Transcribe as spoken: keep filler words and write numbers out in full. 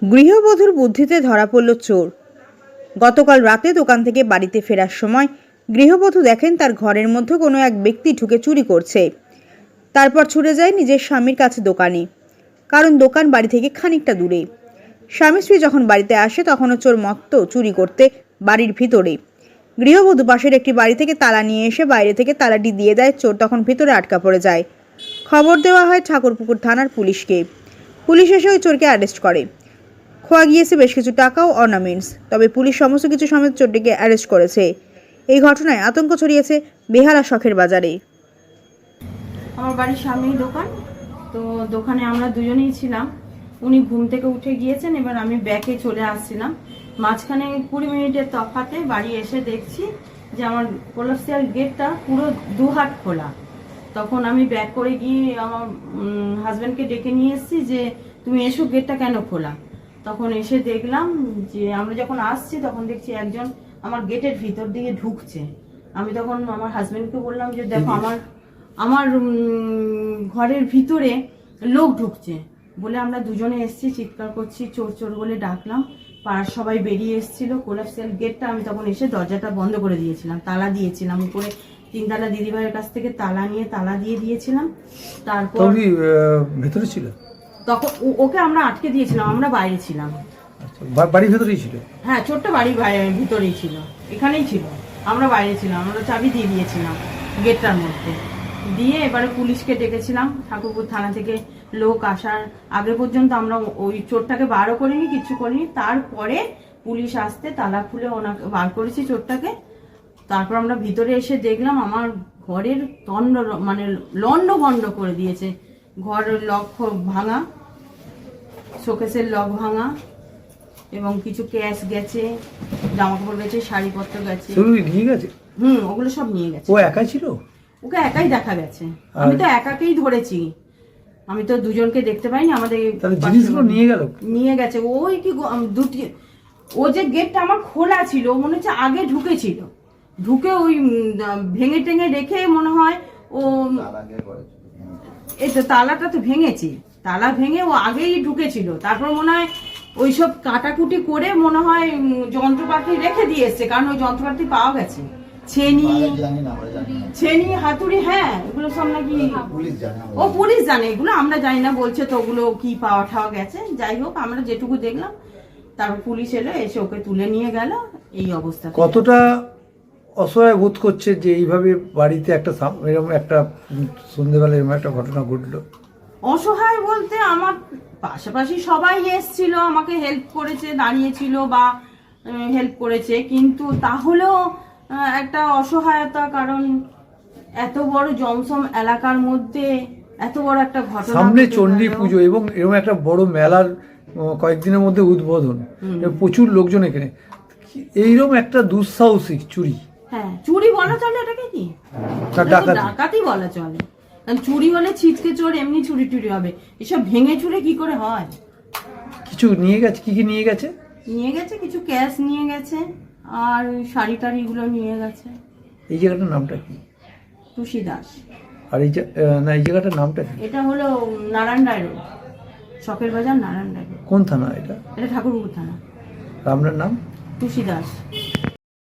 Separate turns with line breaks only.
গৃহবধূর বুদ্ধিতে ধরা পড়ল চোর। গতকাল রাতে দোকান থেকে বাড়িতে ফেরার সময় গৃহবধূ দেখেন তার ঘরের মধ্যে কোনো এক ব্যক্তি ঢুকে চুরি করছে। তারপর ছুটে যায় নিজের স্বামীর কাছে দোকানে, কারণ দোকান বাড়ি থেকে খানিকটা দূরে। স্বামী স্ত্রী যখন বাড়িতে আসে তখনও চোর মত্ত চুরি করতে বাড়ির ভিতরে। গৃহবধূ পাশের একটি বাড়ি থেকে তালা নিয়ে এসে বাইরে থেকে তালাটি দিয়ে দেয়। চোর তখন ভিতরে আটকা পড়ে যায়। খবর দেওয়া হয় ঠাকুরপুকুর থানার পুলিশকে। পুলিশ এসে ওই চোরকে অ্যারেস্ট করে। খোয়া গিয়েছে বেশ কিছু টাকা ও অর্নামেন্টস। তবে পুলিশ সমস্ত কিছু সমেত চোরটিকে অ্যারেস্ট করেছে। এই ঘটনায় আতঙ্ক ছড়িয়েছে বেহালা শখের বাজারে।
আমার বাড়ির সামনেই দোকান, তো দোকানে আমরা দুজনেই ছিলাম। উনি ঘুম থেকে উঠে গিয়েছেন, এবার আমি ব্যাকে চলে আসছিলাম। মাঝখানে কুড়ি মিনিটের তফাতে বাড়ি এসে দেখছি যে আমার কোলাপসিয়াল গেটটা পুরো দু হাত খোলা। তখন আমি ব্যাক করে গিয়ে আমার হাজব্যান্ডকে ডেকে নিয়ে এসেছি যে তুমি এসো, গেটটা কেন খোলা। তখন এসে দেখলাম যে আমরা যখন আসছি তখন দেখছি একজন আমার গেটের ভিতর দিকে ঢুকছে। আমি তখন আমার হাজব্যান্ডকে বললাম যে দেখো আমার আমার ঘরের ভিতরে লোক ঢুকছে বলে আমরা দুজনে এসেছি, চিৎকার করছি, চোর চোর বলে ডাকলাম। পাড়ার সবাই বেরিয়ে এসেছিল। কোলাপসিয়াল গেটটা আমি তখন এসে দরজাটা বন্ধ করে দিয়েছিলাম, তালা দিয়েছিলাম। উপরে তিনতলা দিদিভাইয়ের কাছ থেকে তালা নিয়ে তালা দিয়ে দিয়েছিলাম। তারপর
ভেতরে ছিল,
তখন ওকে আমরা আটকে দিয়েছিলাম, আমরা বাইরে ছিলাম।
বাড়ির ভেতরেই ছিল?
হ্যাঁ, ছোট্ট বাড়ির ভিতরেই ছিল, এখানেই ছিল। আমরা বাইরে ছিলাম, আমরা চাবি দিয়ে দিয়েছিলাম গেটটার মধ্যে দিয়ে। এবারে পুলিশকে ডেকেছিলাম, ঠাকুরপুর থানা থেকে লোক আসার আগে পর্যন্ত আমরা ওই চোরটাকে বারও করিনি, কিছু করিনি। তারপরে পুলিশ আসতে তালা খুলে ওনাকে বার করেছি চোরটাকে। তারপর আমরা ভিতরে এসে দেখলাম আমার ঘরের তন্ড মানে লন্ড ভন্ড করে দিয়েছে। ঘরের লক ভাঙা, শোকেসের লক ভাঙা, এবং কিছু ক্যাশ গেছে, জামা কাপড় গেছে, শাড়িপত্র গেছে।
নিয়ে গেছে?
হুম, ওগুলো সব নিয়ে গেছে।
ও একাই ছিল?
ওকে একাই দেখা গেছে। আমি তো একাকেই ধরেছি, আমি তো দুজনকে দেখতে পাইনি। আমাদের
জিনিসগুলো নিয়ে গেল?
নিয়ে গেছে। ওই কি দুটি, ও যে গেটটা আমার খোলা ছিল, মনে হচ্ছে আগে ঢুকেছিল, ঢুকে ওই ভেঙে টেঙে রেখে মনে হয় ও এই তো তালাটা তো ভেঙেছি, তালা ভেঙে ও আগেই ঢুকেছিল। তারপর মনে হয় ওইসব কাটাকুটি করে মনে হয় যন্ত্রপাতি রেখে দিয়ে এসছে, কারণ ওই যন্ত্রপাতি পাওয়া গেছে। ছেনি ছেনি হাতুড়ি, হ্যাঁ এগুলো সব নাকি ও পুলিশ জানে, এগুলো আমরা জানি না বলছে। তো ওগুলো কি পাওয়া ঠাওয়া গেছে, যাই হোক আমরা যেটুকু দেখলাম। তারপর পুলিশ এলো, এসে ওকে তুলে নিয়ে গেল। এই অবস্থা।
কতটা অসহায় বোধ করছে যে এইভাবে বাড়িতে একটা এরকম একটা সন্ধ্যেবেলা এরকম একটা ঘটনা ঘটলো?
অসহায় বলতে আমার পাশাপাশি সবাই এসছিল, আমাকে হেল্প করেছে, দাঁড়িয়েছিল বা হেল্প করেছে, কিন্তু তাহলেও একটা অসহায়তা। কারণ এত বড় জমসম এলাকার মধ্যে এত বড় একটা ঘটনা,
সামনে চণ্ডী পুজো এবং এরকম একটা বড় মেলার কয়েকদিনের মধ্যে উদ্বোধন, প্রচুর লোকজন এখানে, এইরকম একটা দুঃসাহসিক চুরি।
হ্যাঁ, চুরি বলা চলে এটাকে? কি ডাকাতি বলা চলে? চুরি হলে ছিচকে চোর, এমনি চুরি টুরি হবে। এসব ভেঙে চুরে কি করে হয়?
কিছু নিয়ে গেছে? কি কি নিয়ে গেছে?
নিয়ে গেছে কিছু ক্যাশ নিয়ে গেছে, আর শাড়ি টাড়ি গুলো নিয়ে গেছে।
এই জায়গাটার নামটা কি?
টুসি দাস।
আর এই না এই জায়গাটার নামটা কি?
এটা হলো নারায়ণ রায় রোড, শখের বাজার, নারায়ণ রায় রোড।
কোন থানা এটা?
এটা ঠাকুরপুকুর থানা।
আপনার নাম?
টুসি দাস।